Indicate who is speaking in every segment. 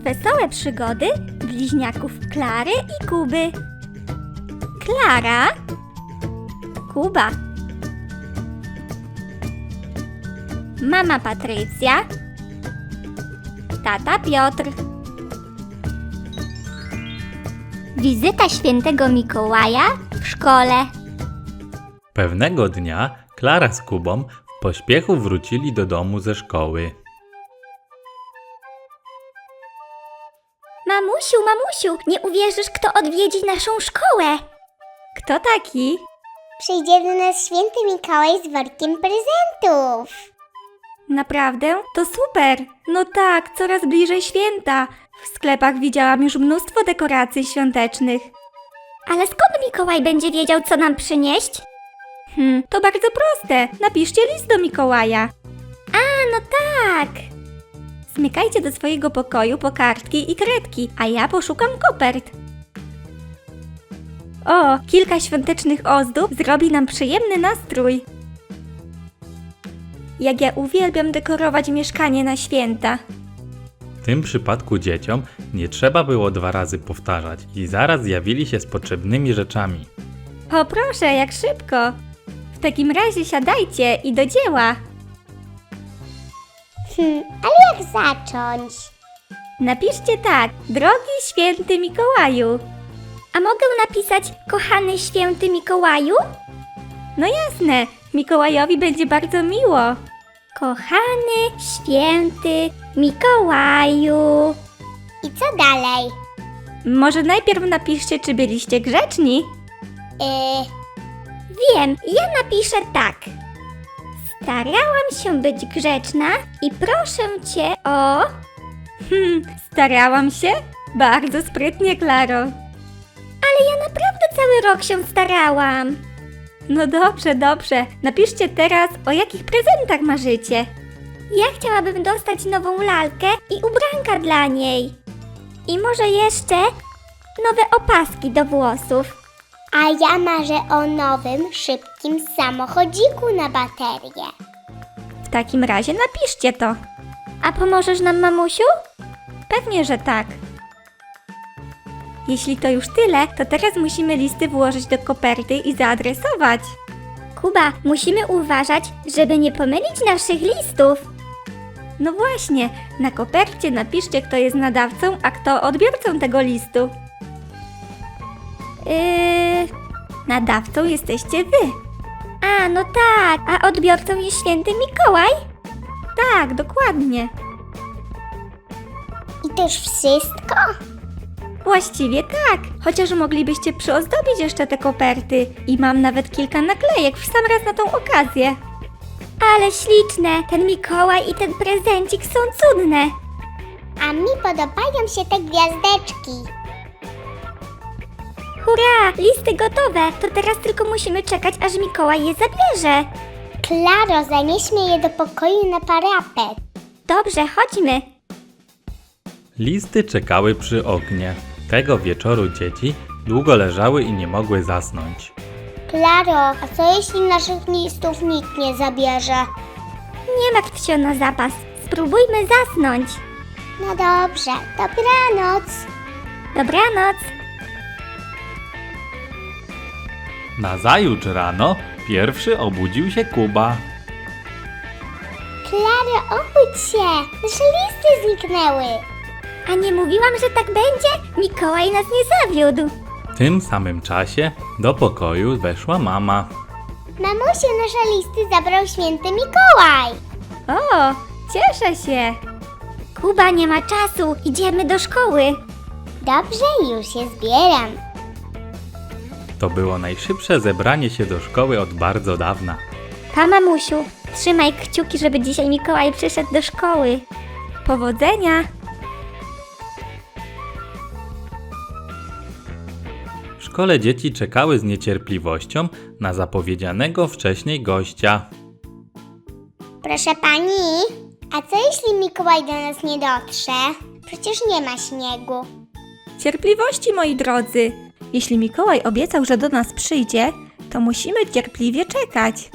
Speaker 1: Wesołe przygody bliźniaków Klary i Kuby. Klara, Kuba, mama Patrycja, tata Piotr. Wizyta świętego Mikołaja w szkole.
Speaker 2: Pewnego dnia Klara z Kubą w pośpiechu wrócili do domu ze szkoły.
Speaker 1: Mamusiu, nie uwierzysz, kto odwiedzi naszą szkołę. Kto taki?
Speaker 3: Przyjdzie do nas święty Mikołaj z workiem prezentów.
Speaker 1: Naprawdę? To super! No tak, coraz bliżej święta. W sklepach widziałam już mnóstwo dekoracji świątecznych. Ale skąd Mikołaj będzie wiedział, co nam przynieść? To bardzo proste. Napiszcie list do Mikołaja. A, no tak! Zmykajcie do swojego pokoju po kartki i kredki, a ja poszukam kopert. O, kilka świątecznych ozdób zrobi nam przyjemny nastrój. Jak ja uwielbiam dekorować mieszkanie na święta.
Speaker 2: W tym przypadku dzieciom nie trzeba było 2 razy powtarzać i zaraz zjawili się z potrzebnymi rzeczami.
Speaker 1: O proszę, jak szybko! W takim razie siadajcie i do dzieła.
Speaker 3: Ale jak zacząć?
Speaker 1: Napiszcie tak, drogi święty Mikołaju. A mogę napisać, kochany święty Mikołaju? No jasne, Mikołajowi będzie bardzo miło. Kochany święty Mikołaju.
Speaker 3: I co dalej?
Speaker 1: Może najpierw napiszcie, czy byliście grzeczni? Wiem, ja napiszę tak. Starałam się być grzeczna i proszę cię o... starałam się? Bardzo sprytnie, Klaro. Ale ja naprawdę cały rok się starałam. No dobrze. Napiszcie teraz, o jakich prezentach marzycie. Ja chciałabym dostać nową lalkę i ubranka dla niej. I może jeszcze nowe opaski do włosów.
Speaker 3: A ja marzę o nowym, szybkim samochodziku na baterię.
Speaker 1: W takim razie napiszcie to. A pomożesz nam, mamusiu? Pewnie, że tak. Jeśli to już tyle, to teraz musimy listy włożyć do koperty i zaadresować. Kuba, musimy uważać, żeby nie pomylić naszych listów. No właśnie, na kopercie napiszcie, kto jest nadawcą, a kto odbiorcą tego listu. Nadawcą jesteście wy. A, no tak, a odbiorcą jest święty Mikołaj? Tak, dokładnie.
Speaker 3: I to już wszystko?
Speaker 1: Właściwie tak, chociaż moglibyście przyozdobić jeszcze te koperty i mam nawet kilka naklejek w sam raz na tą okazję. Ale śliczne, ten Mikołaj i ten prezencik są cudne.
Speaker 3: A mi podobają się te gwiazdeczki.
Speaker 1: Hurra, listy gotowe, to teraz tylko musimy czekać, aż Mikołaj je zabierze.
Speaker 3: Klaro, zanieśmy je do pokoju na parapet.
Speaker 1: Dobrze, chodźmy.
Speaker 2: Listy czekały przy oknie. Tego wieczoru dzieci długo leżały i nie mogły zasnąć.
Speaker 3: Klaro, a co jeśli naszych listów nikt nie zabierze?
Speaker 1: Nie martw się na zapas, spróbujmy zasnąć.
Speaker 3: No dobrze, dobranoc.
Speaker 1: Dobranoc.
Speaker 2: Nazajutrz rano pierwszy obudził się Kuba.
Speaker 3: Klaro, obudź się, nasze listy zniknęły.
Speaker 1: A nie mówiłam, że tak będzie? Mikołaj nas nie zawiódł.
Speaker 2: W tym samym czasie do pokoju weszła mama.
Speaker 3: Mamusiu, nasze listy zabrał święty Mikołaj.
Speaker 1: O, cieszę się. Kuba, nie ma czasu, idziemy do szkoły.
Speaker 3: Dobrze, już się zbieram.
Speaker 2: To było najszybsze zebranie się do szkoły od bardzo dawna.
Speaker 1: Pa, mamusiu, trzymaj kciuki, żeby dzisiaj Mikołaj przyszedł do szkoły. Powodzenia.
Speaker 2: W szkole dzieci czekały z niecierpliwością na zapowiedzianego wcześniej gościa.
Speaker 3: Proszę pani, a co jeśli Mikołaj do nas nie dotrze? Przecież nie ma śniegu.
Speaker 1: Cierpliwości, moi drodzy. Jeśli Mikołaj obiecał, że do nas przyjdzie, to musimy cierpliwie czekać.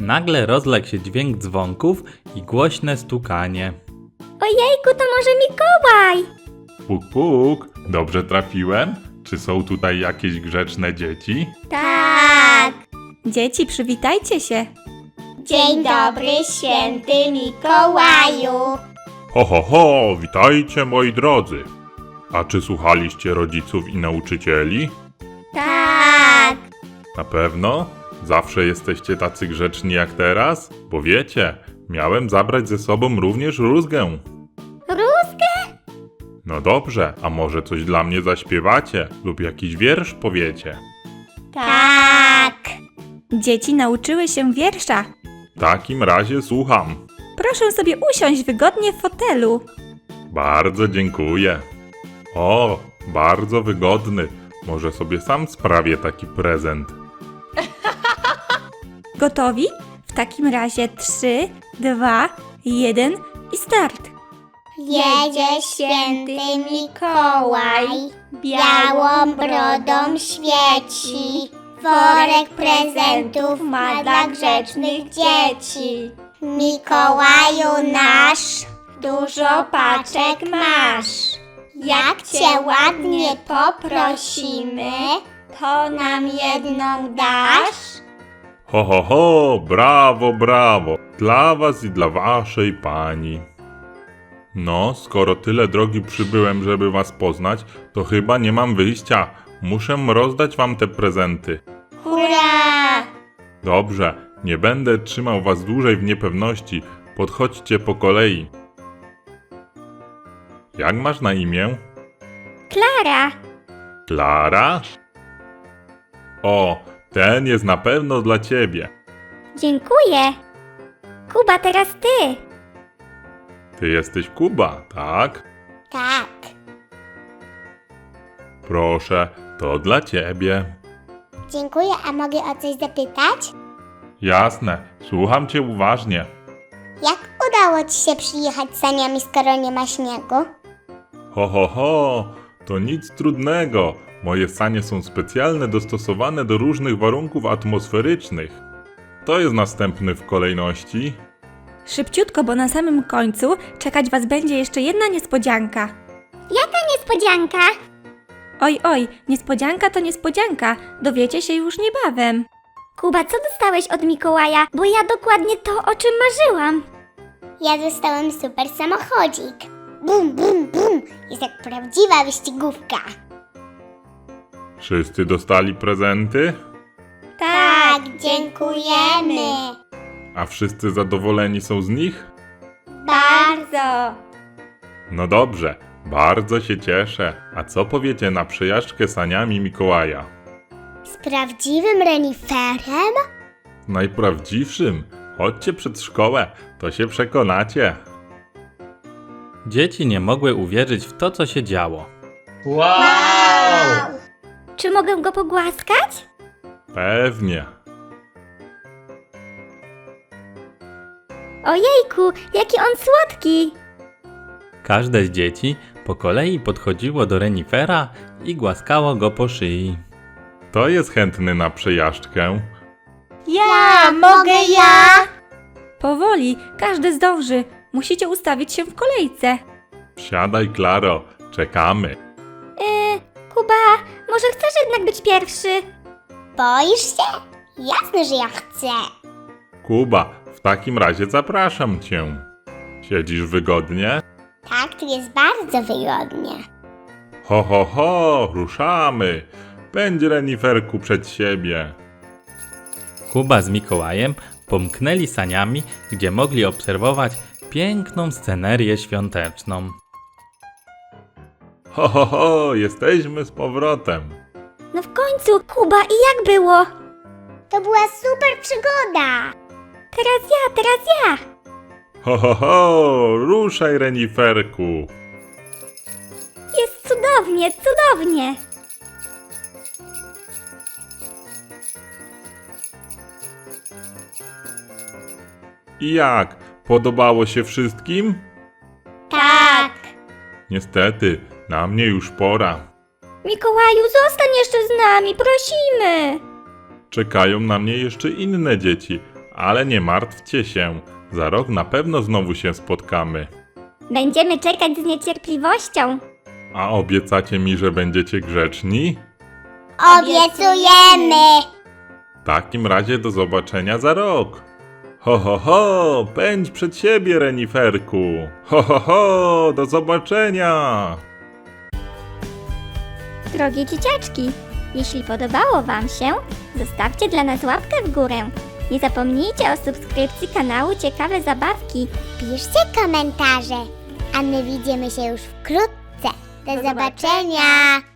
Speaker 2: Nagle rozległ się dźwięk dzwonków i głośne stukanie.
Speaker 1: Ojejku, to może Mikołaj!
Speaker 4: Puk, puk. Dobrze trafiłem? Czy są tutaj jakieś grzeczne dzieci?
Speaker 3: Tak.
Speaker 1: Dzieci, przywitajcie się.
Speaker 3: Dzień dobry, święty Mikołaju.
Speaker 4: Ho, ho, ho! Witajcie, moi drodzy. A czy słuchaliście rodziców i nauczycieli?
Speaker 3: Tak.
Speaker 4: Na pewno? Zawsze jesteście tacy grzeczni jak teraz? Bo wiecie, miałem zabrać ze sobą również rózgę.
Speaker 3: Rózgę?
Speaker 4: No dobrze, a może coś dla mnie zaśpiewacie lub jakiś wiersz powiecie?
Speaker 3: Tak.
Speaker 1: Dzieci nauczyły się wiersza.
Speaker 4: W takim razie słucham.
Speaker 1: Proszę sobie usiąść wygodnie w fotelu.
Speaker 4: Bardzo dziękuję. O, bardzo wygodny. Może sobie sam sprawię taki prezent.
Speaker 1: Gotowi? W takim razie 3, 2, 1 i start.
Speaker 3: Jedzie święty Mikołaj, białą brodą świeci. Worek prezentów ma dla grzecznych dzieci. Mikołaju nasz, dużo paczek masz. Jak cię ładnie poprosimy, to nam jedną dasz?
Speaker 4: Ho, ho, ho, brawo, brawo. Dla was i dla waszej pani. No, skoro tyle drogi przybyłem, żeby was poznać, to chyba nie mam wyjścia. Muszę rozdać wam te prezenty.
Speaker 3: Hurra!
Speaker 4: Dobrze, nie będę trzymał was dłużej w niepewności. Podchodźcie po kolei. Jak masz na imię?
Speaker 1: Klara!
Speaker 4: Klara? O, ten jest na pewno dla ciebie.
Speaker 1: Dziękuję. Kuba, teraz ty.
Speaker 4: Ty jesteś Kuba, tak?
Speaker 3: Tak.
Speaker 4: Proszę, to dla ciebie.
Speaker 3: Dziękuję, a mogę o coś zapytać?
Speaker 4: Jasne, słucham cię uważnie.
Speaker 3: Jak udało ci się przyjechać saniami, skoro nie ma śniegu?
Speaker 4: Ho, ho, ho, to nic trudnego. Moje sanie są specjalnie dostosowane do różnych warunków atmosferycznych. To jest następny w kolejności.
Speaker 1: Szybciutko, bo na samym końcu czekać was będzie jeszcze jedna niespodzianka.
Speaker 3: Jaka niespodzianka?
Speaker 1: Oj, oj, niespodzianka to niespodzianka. Dowiecie się już niebawem. Kuba, co dostałeś od Mikołaja? Bo ja dokładnie to, o czym marzyłam.
Speaker 3: Ja dostałem super samochodzik. Bum, bum, bum. Jest jak prawdziwa wyścigówka.
Speaker 4: Wszyscy dostali prezenty?
Speaker 3: Tak, dziękujemy.
Speaker 4: A wszyscy zadowoleni są z nich?
Speaker 3: Bardzo.
Speaker 4: No dobrze, bardzo się cieszę. A co powiecie na przejażdżkę saniami Mikołaja?
Speaker 3: Z prawdziwym reniferem?
Speaker 4: Najprawdziwszym. Chodźcie przed szkołę, to się przekonacie.
Speaker 2: Dzieci nie mogły uwierzyć w to, co się działo.
Speaker 1: Czy mogę go pogłaskać?
Speaker 4: Pewnie.
Speaker 1: Ojejku, jaki on słodki!
Speaker 2: Każde z dzieci po kolei podchodziło do renifera i głaskało go po szyi.
Speaker 4: To jest chętny na przejażdżkę.
Speaker 3: Ja, mogę ja?
Speaker 1: Powoli, każdy zdąży. Musicie ustawić się w kolejce.
Speaker 4: Wsiadaj, Klaro, czekamy.
Speaker 1: Kuba, może chcesz jednak być pierwszy?
Speaker 3: Boisz się? Jasne, że ja chcę.
Speaker 4: Kuba, w takim razie zapraszam cię. Siedzisz wygodnie?
Speaker 3: Tak, tu jest bardzo wygodnie.
Speaker 4: Ho, ho, ho, ruszamy. Pędź, reniferku, przed siebie.
Speaker 2: Kuba z Mikołajem pomknęli saniami, gdzie mogli obserwować piękną scenerię świąteczną.
Speaker 4: Ho, ho, ho, jesteśmy z powrotem.
Speaker 1: No w końcu, Kuba, i jak było?
Speaker 3: To była super przygoda.
Speaker 1: Teraz ja!
Speaker 4: Ho, ho, ho, ruszaj, reniferku.
Speaker 1: Jest cudownie, cudownie!
Speaker 4: I jak? Podobało się wszystkim?
Speaker 3: Tak.
Speaker 4: Niestety, na mnie już pora.
Speaker 1: Mikołaju, zostań jeszcze z nami, prosimy!
Speaker 4: Czekają na mnie jeszcze inne dzieci. Ale nie martwcie się, za rok na pewno znowu się spotkamy.
Speaker 1: Będziemy czekać z niecierpliwością.
Speaker 4: A obiecacie mi, że będziecie grzeczni?
Speaker 3: Obiecujemy!
Speaker 4: W takim razie do zobaczenia za rok. Ho, ho, ho, pędź przed siebie, reniferku. Ho, ho, ho, do zobaczenia.
Speaker 1: Drogie dzieciaczki, jeśli podobało Wam się, zostawcie dla nas łapkę w górę. Nie zapomnijcie o subskrypcji kanału Ciekawe Zabawki.
Speaker 3: Piszcie komentarze, a my widzimy się już wkrótce. Do zobaczenia!